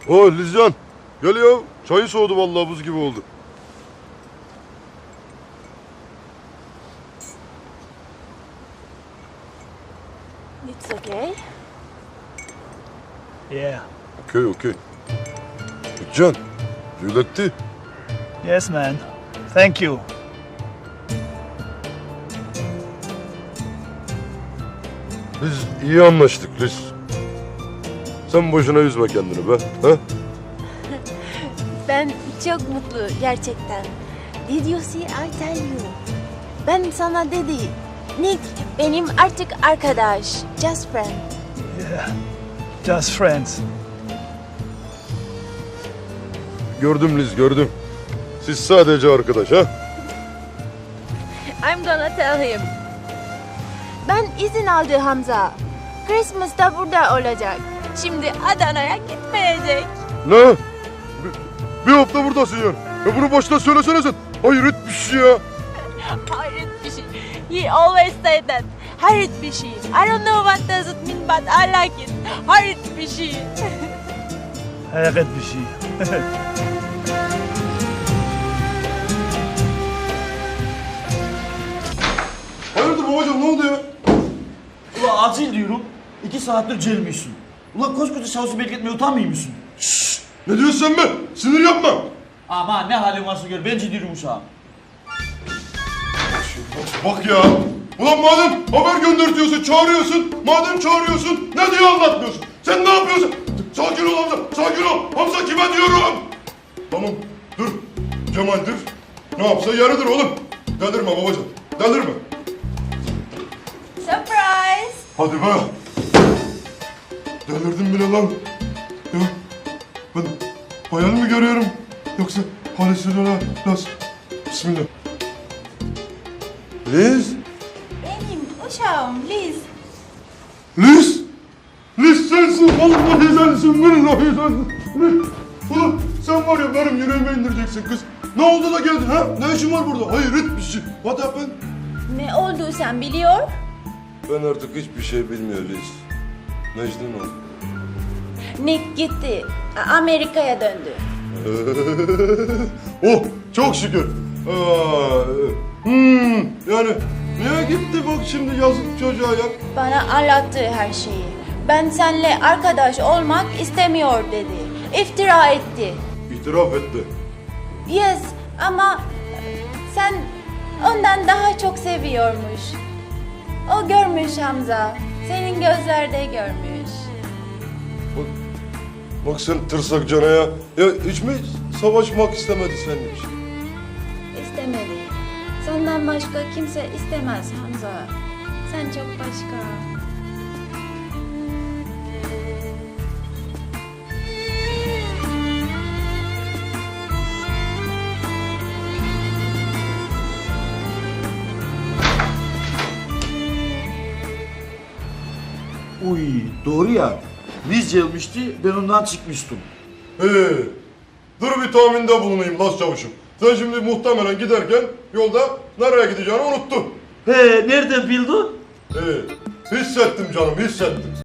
O Lizcan. Gel ya. Çayı soğudu vallahi buz gibi oldu. It's okay. Yeah. Okey. Lizcan. Yületti. Yes, man. Thank you. Biz iyi anlaştık Liz. Sen boşuna üzme kendini be. Ha? Ben çok mutlu gerçekten. Did you see I tell you? Ben sana dedi. Nick benim artık arkadaş. Just friend. Yeah. Just friends. Gördüm Liz gördüm. Siz sadece arkadaş ha? I'm gonna tell him. Ben izin aldı Hamza. Christmas'ta burada olacak. Şimdi Adana'ya gitmeyecek. Ne? Bir hafta buradasın yani. Ya bunu başta söylesene sen. Hayret bir şey ya. Hayret bir şey. He always say that. Hayret bir şey. I don't know what does it mean but I like it. Hayret bir şey. Hayret bir şey. Hayırdır babacığım ne oldu ya? Ulan acil diyorum. 2 saattir celmiyorsun. Ulan koskoca şahsı bekletmeye utanmıyor musun? Ne diyorsun sen be? Sinir yapma. Aman ne halin varsa gör. Ben ciddiyim uşağım. Bak ya. Ulan madem haber göndertiyorsun, çağırıyorsun. Madem çağırıyorsun, ne diye anlatmıyorsun? Sen ne yapıyorsun? Sakin ol Hamza, sakin ol. Hamza kime diyorum? Tamam, dur. Cemal'dir. Ne yapsa yarıdır oğlum. Delirme babacığım, delirme. Surprise. Hadi be. Delirdim bile lan. Ya ben hayal mi görüyorum? Yoksa halüsinasyon nasıl? Bismillah. Liz. Benim uşağım Liz. Liz! Liz sensin! Vallahi sensin! Billahi sensin! Liz! Ulan sen var ya benim yüreğime indireceksin kız. Ne oldu da geldin ha? Ne işin var burada? Hayret bir şey. What happened? Ne oldu sen biliyor? Ben artık hiçbir şey bilmiyorum Liz. Necden oldu? Nick gitti. Amerika'ya döndü. Oh çok şükür. Yani niye gitti bak şimdi yazık çocuğa ya? Bana anlattı her şeyi. Ben seninle arkadaş olmak istemiyor dedi. İftira etti. İtiraf etti. Yes ama sen ondan daha çok seviyormuş. O görmüş Hamza. Senin gözlerde görmüş. Bak sen tırsak cana ya. Ya hiç mi savaşmak istemedi senin için? İstemedi. Senden başka kimse istemez Hamza. Sen çok başka. Uy doğru ya. Liz gelmişti ben ondan çıkmıştım. Dur bir tahminde bulunayım Las Çavuş'um. Sen şimdi muhtemelen giderken yolda nereye gideceğini unuttun. He nereden bildin? Hissettim canım hissettim.